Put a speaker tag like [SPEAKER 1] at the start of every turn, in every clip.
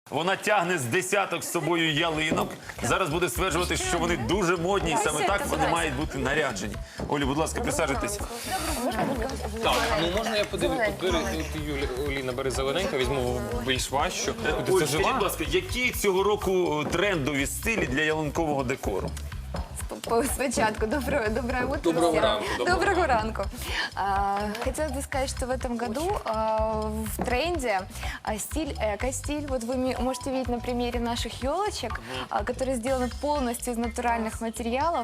[SPEAKER 1] Вона тягне з десяток з собою ялинок. Зараз буде стверджувати, що вони дуже модні, і саме так вони мають бути наряджені. Олі, будь ласка, присаджуйтесь.
[SPEAKER 2] Так, ну можна я подивлюсь? Оліна, бери зелененько, візьму більш важчу.
[SPEAKER 1] Оль, скажіть, будь ласка, які цього року трендові стилі для ялинкового декору?
[SPEAKER 3] Спочатку. Доброе утро
[SPEAKER 2] Доброго
[SPEAKER 3] всем.
[SPEAKER 2] ранку,
[SPEAKER 3] Доброго ранку. Хотелось бы сказать, что в этом году в тренде стиль эко-стиль. Вот вы можете видеть на примере наших елочек, которые сделаны полностью из натуральных материалов.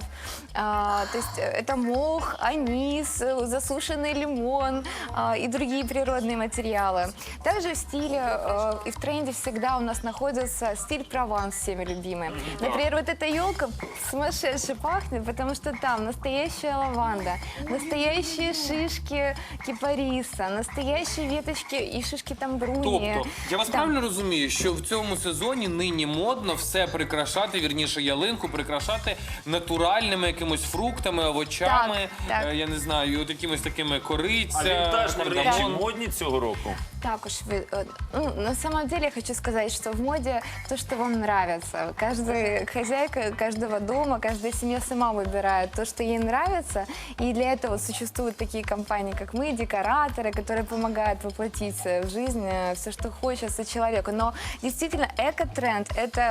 [SPEAKER 3] То есть это мох, анис, засушенный лимон и другие природные материалы. Также в стиле и в тренде всегда у нас находится стиль Прованс, всеми любимый. Например, вот эта елка сумасшедше пахнет, потому что там настоящая лаванда, настоящие шишки кипариса, настоящие веточки и шишки тамбруни.
[SPEAKER 2] Тобто, я вас правильно розумію, що в цьому сезоні нині модно все прикрашати, вірніше ялинку прикрашати натуральними якимось фруктами, овочами,
[SPEAKER 3] Так.
[SPEAKER 2] я не знаю, от якимось такими кориця,
[SPEAKER 1] А вінтажні речі
[SPEAKER 2] кардамон.
[SPEAKER 1] модні цього року?
[SPEAKER 3] Так уж, ну, на самом деле я хочу сказать, что в моде то, что вам нравится. Каждая хозяйка каждого дома, каждая семья сама выбирает то, что ей нравится. И для этого существуют такие компании, как мы, декораторы, которые помогают воплотить в жизнь все, что хочется человеку. Но действительно, эко-тренд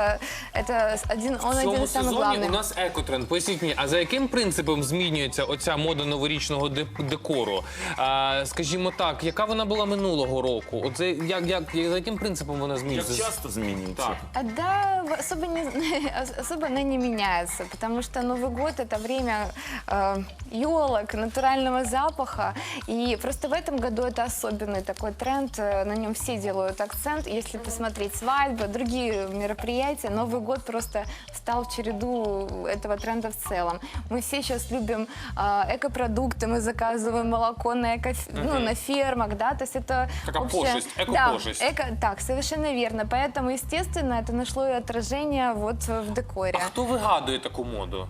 [SPEAKER 3] это один, он
[SPEAKER 2] В
[SPEAKER 3] один
[SPEAKER 2] цьому
[SPEAKER 3] из самых
[SPEAKER 2] сезоні
[SPEAKER 3] главных.
[SPEAKER 2] у нас екотренд. Поясніть мені, а за яким принципом змінюється оця мода новорічного декору? Скажімо так, яка вона була минулого року? От за яким принципом вона
[SPEAKER 1] Як
[SPEAKER 2] змінюється?
[SPEAKER 1] часто змінюється?
[SPEAKER 2] Так.
[SPEAKER 3] Да, особо она не меняется, потому что Новый год – это время елок, натурального запаха. И просто в этом году это особенный такой тренд, на нем все делают акцент. Если посмотреть свадьбы, другие мероприятия, Новый год просто встал в череду этого тренда в целом. Мы все сейчас любим экопродукты, мы заказываем молоко на фермах, да, то есть это
[SPEAKER 2] Такая
[SPEAKER 3] общая-
[SPEAKER 2] пошесть,
[SPEAKER 3] Да,
[SPEAKER 2] эко-пошесть.
[SPEAKER 3] так, совершенно верно. Поэтому, естественно, это нашло и отражение вот в декоре.
[SPEAKER 2] А хто вигадує таку моду?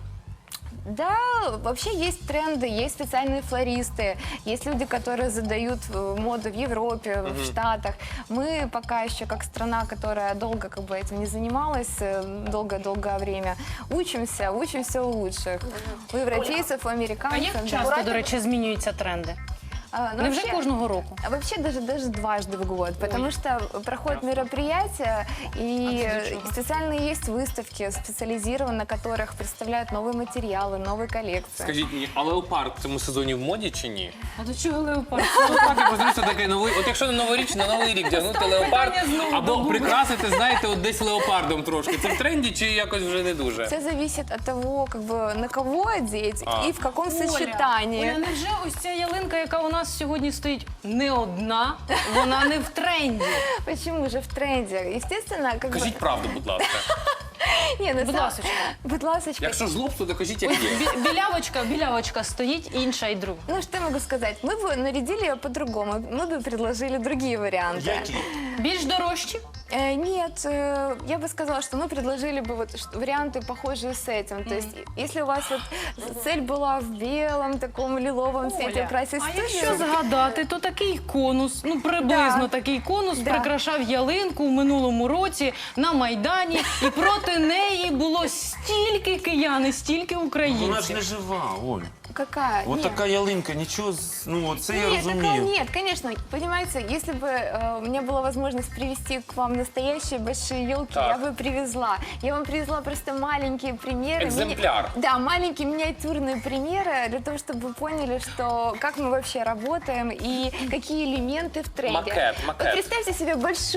[SPEAKER 3] Да, вообще есть тренды, есть специальные флористы, есть люди, которые задают моду в Европе, в Штатах. Мы пока еще, как страна, которая долго этим не занималась, долгое время, учимся у лучших. У европейцев, у
[SPEAKER 4] А
[SPEAKER 3] американцев.
[SPEAKER 4] як
[SPEAKER 3] да.
[SPEAKER 4] часто, до речі, змінюються тренди?
[SPEAKER 3] Ну,
[SPEAKER 4] Невже
[SPEAKER 3] вообще-
[SPEAKER 4] кожного року?
[SPEAKER 3] А вообще даже дважды в год, потому что проходят мероприятия, и специальные есть выставки, специализированные, на которых представляют новые материалы, новые коллекции.
[SPEAKER 2] Скажіть мені, а леопард в цьому сезоні в моді чи ні?
[SPEAKER 4] А до чого леопард?
[SPEAKER 2] Леопард, я просто такий новий. От якщо на новорічний, на новий рік вдягнути леопард, або прикрасити, знаєте, от десь леопардом трошки. Це в тренді чи якось вже не дуже?
[SPEAKER 3] Все зависит от того, на кого одеть и в каком сочетании.
[SPEAKER 4] Оля, невже ось ця ялинка, яка у нас сьогодні стоїть, не одна, вона не в тренді?
[SPEAKER 3] Почему же в тренде? Естественно,
[SPEAKER 2] Кажіть правду, будь ласка.
[SPEAKER 3] Не, на
[SPEAKER 4] Будь
[SPEAKER 3] самом-
[SPEAKER 4] ласочка.
[SPEAKER 3] Будь ласочка.
[SPEAKER 2] Якщо жлобство, то кажіть, як
[SPEAKER 4] Ось
[SPEAKER 2] є.
[SPEAKER 4] білявочка стоїть, інша і друга.
[SPEAKER 3] Ну, что я могу сказать? Мы бы нарядили ее по-другому. Мы бы предложили другие варианты.
[SPEAKER 1] Які?
[SPEAKER 4] Більш дорожчі?
[SPEAKER 3] Нет, я бы сказала, что мы предложили бы варианты, похожие с этим. То есть, если у вас цель была в белом, таком лиловом цвете украсить
[SPEAKER 4] А
[SPEAKER 3] студию,
[SPEAKER 4] якщо згадати, то такий конус, ну приблизно
[SPEAKER 3] Да.
[SPEAKER 4] такий конус
[SPEAKER 3] Да.
[SPEAKER 4] прикрашав ялинку у минулому році на Майдані, і проти неї було стільки киян і стільки
[SPEAKER 1] Вона ж
[SPEAKER 4] українців.
[SPEAKER 1] не жива, Оль.
[SPEAKER 3] какая?
[SPEAKER 1] От
[SPEAKER 3] Нет.
[SPEAKER 1] така ялинка, нічого, ну це я
[SPEAKER 3] Нет, такого
[SPEAKER 1] розумію.
[SPEAKER 3] нет, конечно. Понимаете, если бы у меня была возможность привезти к вам настоящие большие елки,
[SPEAKER 2] Так.
[SPEAKER 3] я бы привезла. Я вам привезла просто маленькие примеры.
[SPEAKER 2] Экземпляр.
[SPEAKER 3] Да, маленькие миниатюрные примеры для того, чтобы вы поняли, что как мы вообще работаем и какие элементы в тренде.
[SPEAKER 2] Макет.
[SPEAKER 3] Вот представьте себе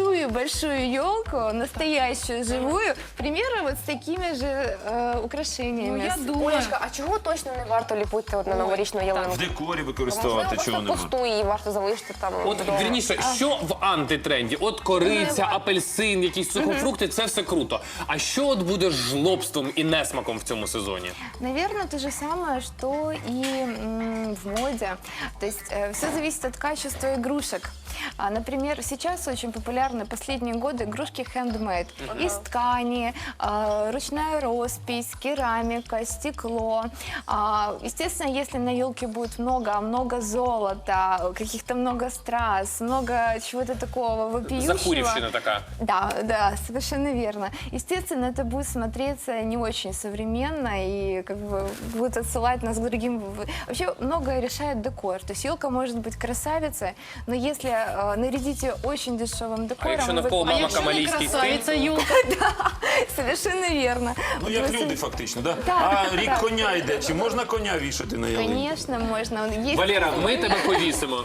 [SPEAKER 3] большую елку, настоящую, живую, примеры вот с такими же украшениями.
[SPEAKER 4] Ну, я думаю,
[SPEAKER 5] Олечка, а чого точно не варто ліпити от на новорічну ялинку?
[SPEAKER 1] В декорі використовувати
[SPEAKER 5] Можливо,
[SPEAKER 1] чого
[SPEAKER 5] просто
[SPEAKER 1] небудь.
[SPEAKER 5] пусту її варто залишити там
[SPEAKER 2] От,
[SPEAKER 5] вдома.
[SPEAKER 2] вірніше, що в антитренді? От кориця, апельсин, якісь сухофрукти, це все круто. А що от буде жлобством і несмаком в цьому сезоні?
[SPEAKER 3] Наверное, то же самое, что и в моде. То есть все зависит от качества игрушек. Например, сейчас очень популярны последние годы игрушки handmade. Из ткани, ручная роспись, керамика, стекло. Естественно, если на елке будет много золота, каких-то много страз, много чего-то такого вопиющего.
[SPEAKER 2] Захурівщина така.
[SPEAKER 3] Да, совершенно верно. Естественно, это будет смотреться не очень современно и как бы будет отсылать нас к другим. Вообще многое решает декор. То есть елка может быть красавицей, но если нарядить ее очень дешевым
[SPEAKER 2] А
[SPEAKER 3] декором...
[SPEAKER 2] якщо
[SPEAKER 3] вы-
[SPEAKER 2] навколо мама
[SPEAKER 4] Якщо не
[SPEAKER 2] камалійський
[SPEAKER 4] красавиця
[SPEAKER 2] стиль?
[SPEAKER 4] юлка,
[SPEAKER 3] Совершенно верно.
[SPEAKER 1] Ну, як
[SPEAKER 3] Просто-
[SPEAKER 1] люди фактично, да?
[SPEAKER 3] Так,
[SPEAKER 1] А рік
[SPEAKER 3] так.
[SPEAKER 1] коня йде, чи можна коня вішати на ялинку?
[SPEAKER 3] Конечно, можно. Есть...
[SPEAKER 2] Валера, ми тебе повісимо.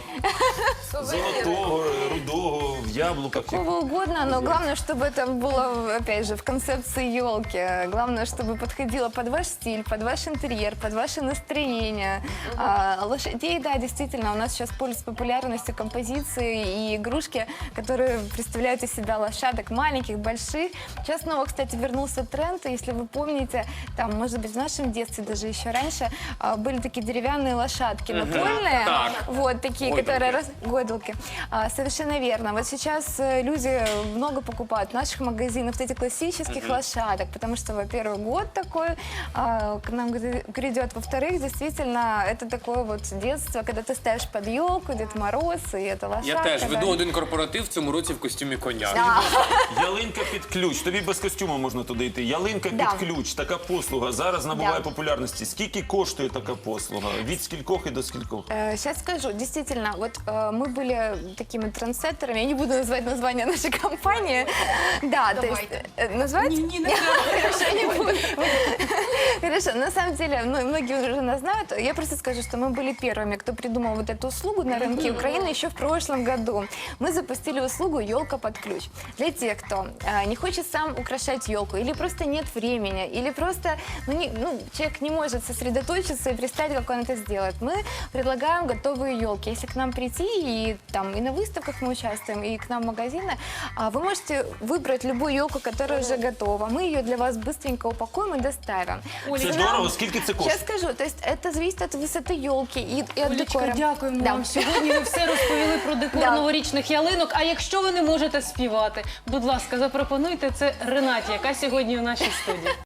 [SPEAKER 1] Золотого, рудого, в яблуках.
[SPEAKER 3] Какого угодно, но главное, чтобы это было, опять же, в концепции елки. Главное, чтобы подходило под ваш стиль, под ваш интерьер, под ваше настроение. Лошадей, да, действительно, у нас сейчас пользуются популярностью композиции и игрушки, которые представляют из себя лошадок маленьких, больших. Сейчас снова, кстати, вернулся тренд, и если вы помните, там, может быть, в нашем детстве, даже еще раньше, были такие деревянные лошадки напольные.
[SPEAKER 2] Так.
[SPEAKER 3] Вот такие,
[SPEAKER 2] Гойдалки.
[SPEAKER 3] которые... Гойдалки. Совершенно верно. Вот сейчас люди много покупают в наших магазинах вот эти классических лошадок, потому что, во-первых, год такой к нам грядет, во-вторых, действительно, это такое вот детство, когда ты ставишь под елку, Дед Мороз, и это лошадка.
[SPEAKER 2] Я теж
[SPEAKER 3] да.
[SPEAKER 2] веду один корпоратив в цьому році в костюмі коня.
[SPEAKER 3] Да.
[SPEAKER 1] Ялинка під ключ. Тобі без костюму можна туди йти. Ялинка
[SPEAKER 3] Да.
[SPEAKER 1] під ключ. Така послуга зараз набуває
[SPEAKER 3] Да.
[SPEAKER 1] популярності. Скільки коштує така послуга? Від скількох і до скількох?
[SPEAKER 3] Сейчас скажу, действительно, вот мы были такими трендсеттерами, я не буду называть название нашей компании. Да, то есть назвать? Хорошо, не буду. Хорошо, на самом деле, ну, многие уже нас знают. Я просто скажу, что мы были первыми, кто придумал вот эту услугу на рынке Украины еще в прошлом году. Мы запустили услугу «Елка под ключ». Для тех, кто не хочет сам украшать елку, или просто нет времени, или просто человек не может сосредоточиться и представить, как он это сделает. Мы предлагаем готовые елки. Если к нам прийти, и на выставках мы участвуем, и к нам в магазины, вы можете выбрать любую елку, которая уже готова. Мы ее для вас быстренько упакуем и доставим.
[SPEAKER 1] Це здорово. Скільки це
[SPEAKER 3] Сейчас
[SPEAKER 1] коштує?
[SPEAKER 3] скажу, то есть это зависит от высоты елки и от
[SPEAKER 4] Олечка,
[SPEAKER 3] декора.
[SPEAKER 4] дякуємо
[SPEAKER 3] Да.
[SPEAKER 4] вам. Сьогодні ви все розповіли про декор
[SPEAKER 3] Да.
[SPEAKER 4] новорічних ялинок. А якщо ви не можете співати, будь ласка, запропонуйте це Ренаті, яка сьогодні в нашій студії.